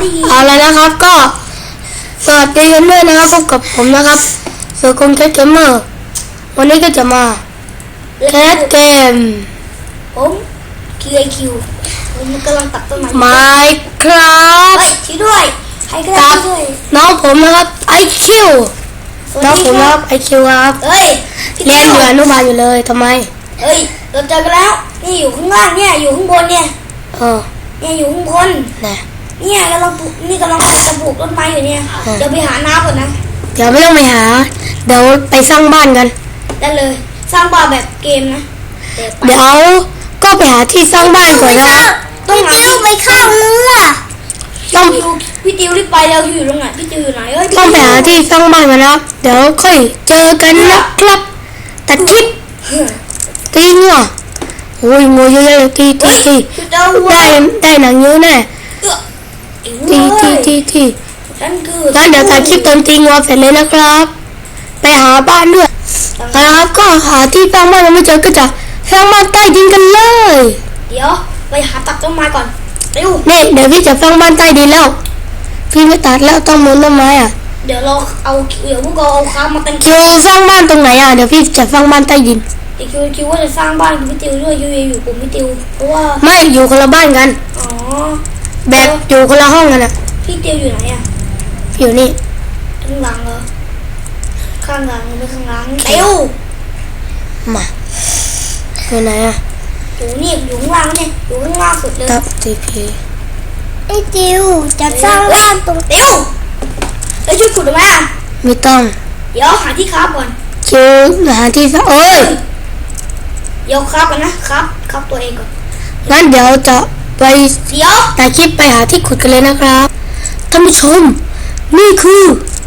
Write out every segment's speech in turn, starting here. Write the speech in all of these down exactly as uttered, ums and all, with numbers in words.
ได้ยินเอาละนะครับก็สวัสดีกันด้วยนะครับพบกับผมนะครับเสือคงแคทเกมเมอร์วันนี้ก็จะมาแคทเกมผมคิวไอคิวผมกำลังตัดต้นไม้ไม้ครับเฮ้ยช่วยด้วยใครก็ได้ช่วยน้องผมนะครับไอคิวน้องผมนะครับไอคิวครับเฮ้ยเรียนอยู่อนุบาลอยู่เลยทำไมเฮ้ยเราเจอกันแล้วนี่อยู่ข้างล่างเนี่ยอยู่ข้างบนเนี่ยเออเนี่ยอยู่ข้างบนนะเนี่ยกำลังปลูกนี่กำลังจะปลูกต้นไม้อยู่เนี่ยเดี๋ยวไปหาน้ำก่อนนะเดี๋ยวไม่ต้องไปหาเดี๋ยวไปสร้างบ้านกันได้เลยสร้างบ้านแบบเกมนะเดี๋ยวก็ไปหาที่สร้างบ้านก่อนนะครับต้องหาที่ไปเข้าเรือต้องพี่ติวรีบไปแล้วอยู่ตรงไหนพี่ติวอยู่ไหนเอ้ยต้องไปหาที่สร้างบ้านกันนะครับเดี๋ยวค่อยเจอกันนะครับตัดคลิปตีงัวโอ้ยงัวเยอะเลยตีตีตีได้ได้หนังเยอะแน่ตีตีตีตีงั้นเดี๋ยวตัดคลิปตอนตีงัวเสร็จเลยนะครับไปหาบ้านด้วยนะครับก็หาที่สร้างบ้านยังไม่เจอก็จะสร้างบ้านใต้ดินกันเลยเดี๋ยวไปหาตัดต้นไม้ก่อนเร็วนี่เดี๋ยวพี่จะสร้างบ้านใต้ดินแล้วพี่ไม่ตัดแล้วต้องมุนต้นไม้อ่ะเดี๋ยวเราเอาเดี๋ยวพวกเราเอาค้ามาเต็มคิวสร้างบ้านตรงไหนอ่ะเดี๋ยวพี่จะสร้างบ้านใต้ดินเดี๋ยวคิวคิวว่าจะสร้างบ้านกับพี่ติวด้วยคิวอยู่กลุ่มพี่ติวเพราะว่าไม่อยู่คนละบ้านกันอ๋อแบบอยู่คนละห้องกันอ่ะพี่ติวอยู่ไหนอ่ะอยู่นี่ข้างหลังเหรอข้างหลังไม่ข้างหลังติวมาอยู่ไหนอ่ะอยู่นี่อยู่ข้างล่างเนี่ยอยู่ข้างล่างสุดเลยตับทีพีไอ้ติวจะสร้างบ้านตรงติวไอ้ช่วยขุดได้ไหมอ่ะไม่ต้องเดี๋ยวหาที่คราฟก่อนคิวหาที่ซะโอ้ยเดี๋ยวคราฟกันนะครับคราฟตัวเองก่อนงั้นเดี๋ยวจะไปเดี๋ยวแต่คลิปไปหาที่ขุดกันเลยนะครับท่านผู้ชมนี่คือ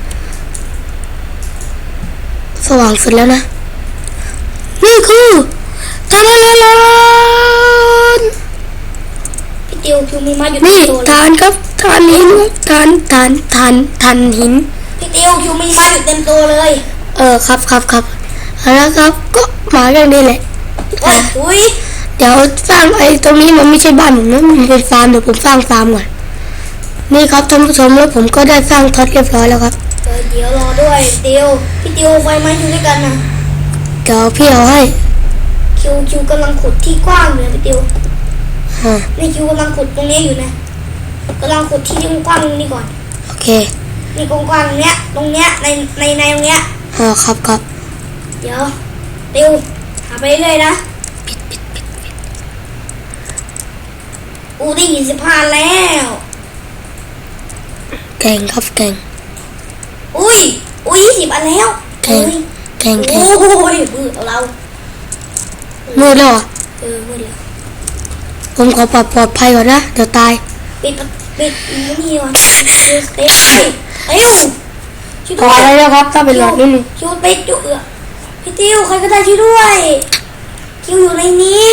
สว่างสุดแล้วนะนี่คือทานทานพี่ติวคิวมีไม้อยู่นี่ทานครับทานหินทานทานทานทานหินพี่ติวคิวมีไม้อยู่เต็มตัวเลยเออครับครับครับเอาละครับก็มาเรื่องนี้แหละอุ้ยเดี๋ยวสร้างไอ้ตรงนี้มันไม่ใช่บ้านผมนะมันเป็นฟาร์มเดี๋ยวผมสร้างฟาร์มก่อนนี่ครับท่านผู้ชมแล้วผมก็ได้สร้างท็อตเรียบร้อยแล้วครับเดี๋ยวรอด้วยติวพี่ติวไฟไม้อยู่ด้วยกันนะเดี๋ยวพี่เอาให้คิวคิวกำลังขุดที่กว้างอยู่พี่ติวนี่คิวกำลังขุดตรงนี้อยู่นะกำลังขุดที่กว้างนี่ก่อนโอเคนี่กว้างๆเนี้ยตรงเนี้ยในในในตรงเนี้ยอ๋อครับครับเดี๋ยวติวหาไปเรื่อยๆนะปิดปิดปิดปิดอูได้ยินสิบห้าแล้วเก่งครับเก่งอุ้ยอุ้ยยี่สิบอันแล้วเก่งเก่งเก่งโอ้ยมือเรามือแล้วอ่ะเออมือแล้วผมขอปลอดปลอดภัยก่อนนะเดี๋ยวตายปิดปิดนี่ก่อนเต้เอ้ยช่วยด้วยอะไรนะครับถ้าเป็นหลอดนิดนึงช่วยปิดจุเออพี่ติวใครก็ได้ช่วยด้วยคิวอยู่ในนี้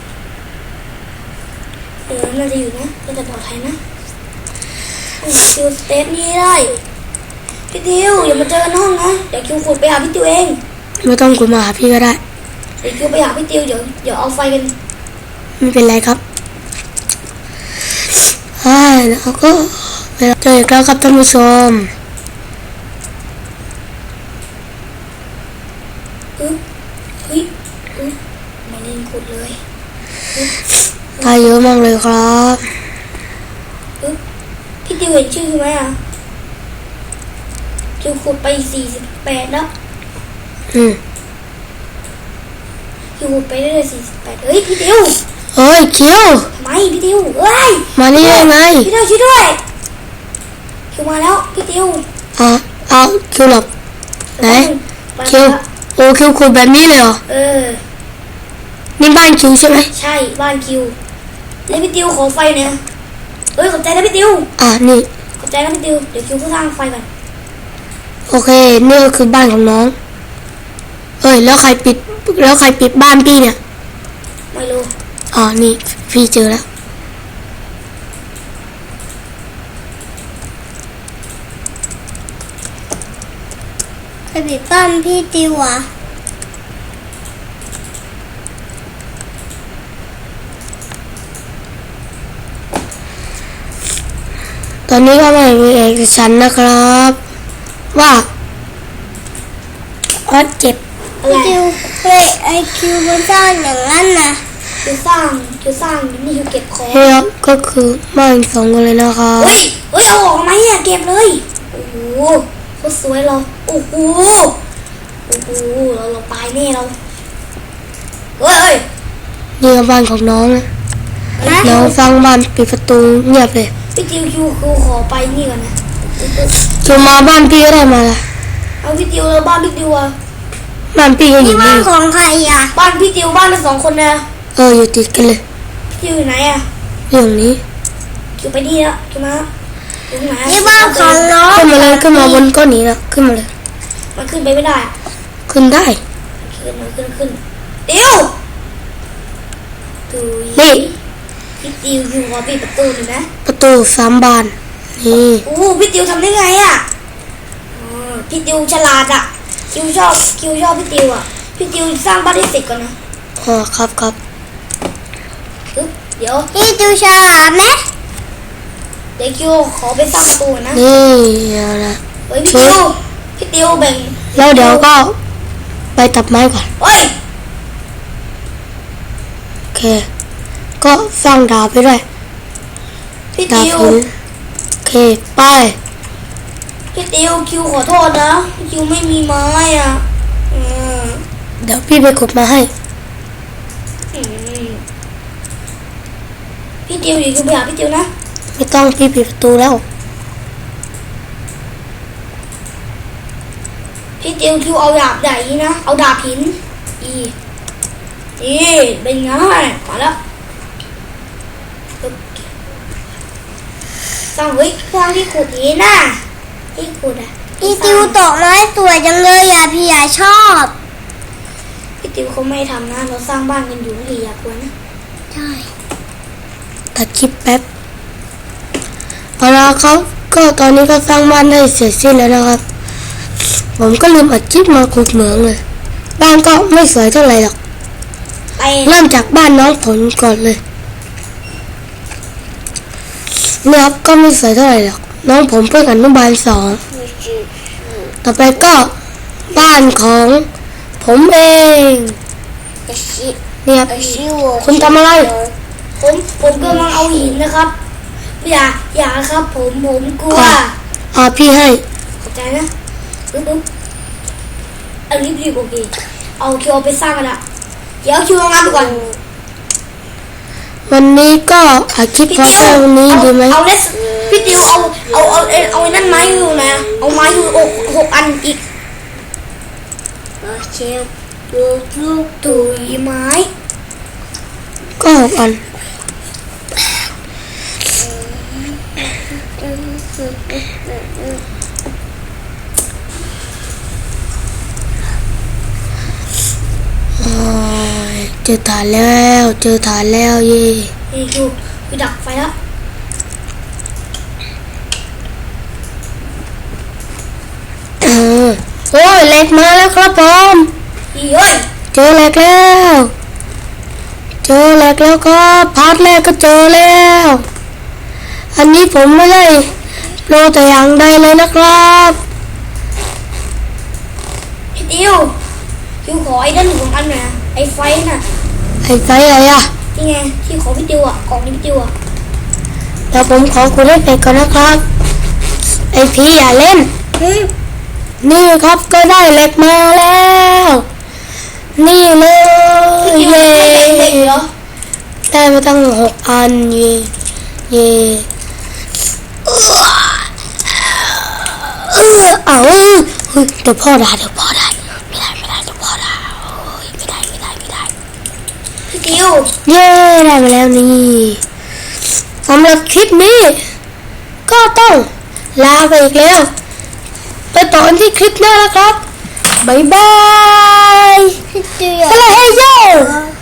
เออน่าจะอยู่นะน่าจะปลอดภัยนะคิวเต้นี่ได้พี่ติวอย่ามาเจอกันห้องนะเดี๋ยวคิวขุดไปหาพี่ติวเองไม่ต้องขุดมาหาพี่ก็ได้เดี๋ยวคิวไปหาพี่ติวเดี๋ยวเดี๋ยวเอาไฟกันไม่เป็นไรครับใช่แล้วก็เจออีกแล้วครับท่านผู้ชมเฮ้ยเฮ้ยไม่เล่นขุดเลยตายเยอะมากเลยครับพี่ติวเห็นชื่อไหมอ่ะคิวขุดไปสี่สิบแปดแล้วอืมคิวขุดไปได้เลยสี่สิบแปดเฮ้ยพี่ติวเฮ้ยคิวไม่พี่ติวเฮ้ยมานี่ได้ไงพี่ติวช่วยด้วยคิวมาแล้วพี่ติวอ่ะเอาคิวหลบไหนคิวโอ้คิวขุดแบบนี้เลยเหรอเออนี่บ้านคิวใช่ไหมใช่บ้านคิวแล้วพี่ติวขอไฟเนี่ยเอ้ยขอบใจนะพี่ติวอ่ะนี่ขอบใจนะพี่ติวเดี๋ยวคิวก็สร้างไฟก่อนโอเคนี่ก็คือบ้านของน้องเอ้ยแล้วใครปิดแล้วใครปิดบ้านพี่เนี่ยไม่รู้อ๋อนี่พี่เจอแล้วใครปิดบ้านพี่ติวอ่ะตอนนี้ก็ไม่มีเอกฉันท์นะครับ ว่าอ๋อเจ็บอะไรพี่ติวเฮ้ยไอคิวมันสร้างอย่างนั้นนะคิวสร้างคิวสร้างนี่คิวเก็บของนี่ครับก็คือบ้านสองคนเลยนะครับเฮ้ยเฮ้ยเอาออกไหมเนี่ยเก็บเลยโอ้โหโคตรสวยเราโอ้โหโอ้โหเราเราตายแน่เราเฮ้ยเฮ้ยนี่ก็บ้านของน้องนะนะน้องฟังบ้านปิดประตูเงียบเลยพี่ติวคิวคิวขอไปนี่ก่อนนะจะมาบ้านพี่ก็ได้มาละเอาพี่ติวแล้วบ้านพี่ติวอะบ้านพี่ก็อนี่ยู่บ้านี่นของใครอ่ะบ้านพี่ติวบ้านละสองคนนะเอออยู่ติดกันเลยพี่ติวอยู่ไหนอะอยู่ตรงนี้คิวไปนี่แล้วคิวมาอยู่ไหนอะนี่บ้านของน้องขึ้นมาเลยขึ้นมาบนก้อนนี้นะขึ้นมาเลยมันขึ้นไปไม่ได้อะขึ้นได้ขึ้นมาขึ้นขึ้นติวตุยนี่พี่ติวคิวขอปิดประตูหน่อยนะประตูสามบานนี่โอ้พี่ติวทำได้ไงอะอ๋อพี่ติวฉลาดอะคิวชอบคิวชอบพี่ติวอะพี่ติวสร้างบ้านให้เสร็จก่อนนะอ๋อครับครับปึ๊บเดี๋ยวพี่ติวฉลาดไหมเดี๋ยวคิวขอไปสร้างประตูก่อนนะนี่เอาละเฮ้ยพี่ติวพี่ติวแบ่งแล้วเดี๋ยวก็ไปตัดไม้ก่อนเฮ้ยโอเค ก็สร้างดาบไปด้วยพี่ดาบติวหินโอเคไปพี่ติวคิวขอโทษนะคิวไม่มีไม้อะอืมเดี๋ยวพี่ไปขุดมาให้อืมพี่ติวอยู่คิวไปหาพี่ติวนะไม่ต้องพี่ปิดประตูแล้วพี่ติวคิวเอาดาบใหญ่นี่นะเอาดาบหินอีอีเป็นไงมาแล้วปึ๊บสร้างเฮ้ยสร้างที่ขุดหินน่ะที่ขุดอะพี่ติวตกไม้สวยจังเลยอ่ะพี่อยากชอบพี่ติวเขาไม่ทำนะเราสร้างบ้านกันอยู่นี่อย่ากลัวนะใช่ตัดคลิปแป๊บเอาละครับก็ตอนนี้ก็สร้างบ้านได้เสร็จสิ้นแล้วนะครับ ผมก็ลืมอัดคลิปมาขุดเหมืองเลยบ้านก็ไม่สวยเท่าไหร่หรอกไปเริ่มจากบ้านน้องผลก่อนเลยเนี่ยครับก็ไม่สวยเท่าไหร่หรอกน้องผมเพิ่งอนุบาลสองต่อไปก็บ้านของผมเองเนี่ยครับคุณทำอะไรผมผมกำลังเอาหินนะครับอย่าอย่าครับผมผมกลัวอ่ะ อ่าพี่ให้ขอบใจนะปึ๊บปึ๊บเอารีบรีบโอเคเอาคิวเอาไปสร้างกันละเดี๋ยวคิวเอางานไปก่อนวันนี้ก็อัดคลิปพอแค่วันนี้เอาดีไหมเอาเลสพี่ติวเอาเอาเอาเอาเอาไอ้นั่นไม้อยู่ไหนอะเอาไม้อยู่หกหกอันอีกเชฟลูกลูกตุยไม้ก็หกอันโอ้ยเจอฐานแล้วเจอฐานแล้วเย่นี่คิวไปดักไฟแล้วเออโอ้ยเหล็กมาแล้วครับผมอีเฮ้ยเจอเหล็กแล้ว เจอเหล็กแล้วก็พาร์ทแรกก็เจอแล้ว อันนี้ผมไม่ได้โปรแต่อย่างใดเลยนะครับพี่ติวคิวขอไอ้ด้านหนึ่งของอันหน่อยนะไอ้ไฟน่ะไอ้ไฟอะไรอ่ะนี่ไงที่ขอพี่ติวอ่ะกล่องนี้พี่ติวอ่ะเดี๋ยวผมขอคุณเล่นไปก่อนนะครับ ไอพี่อย่าเล่นเฮ้ยนี่ครับก็ได้เหล็กมาแล้ว นี่เลยพี่ติวเย่ไม่เป็นเด็กเหรอได้มาตั้งหกอันเย่เย่เออเอาเฮ้ยเดี๋ยวพ่อด่าเดี๋ยวพ่อด่าไม่ได้ไม่ได้เดี๋ยวพ่อด่าโอ้ยไม่ได้ไม่ได้ไม่ได้พี่ติวเย้ได้มาแล้วนี่สำหรับคลิปนี้ ก็ต้องลาไปอีกแล้ว ไปต่อกันที่คลิปหน้าแล้วครับ บ๊ายบายพี่ติวสลายเฮ้ยโย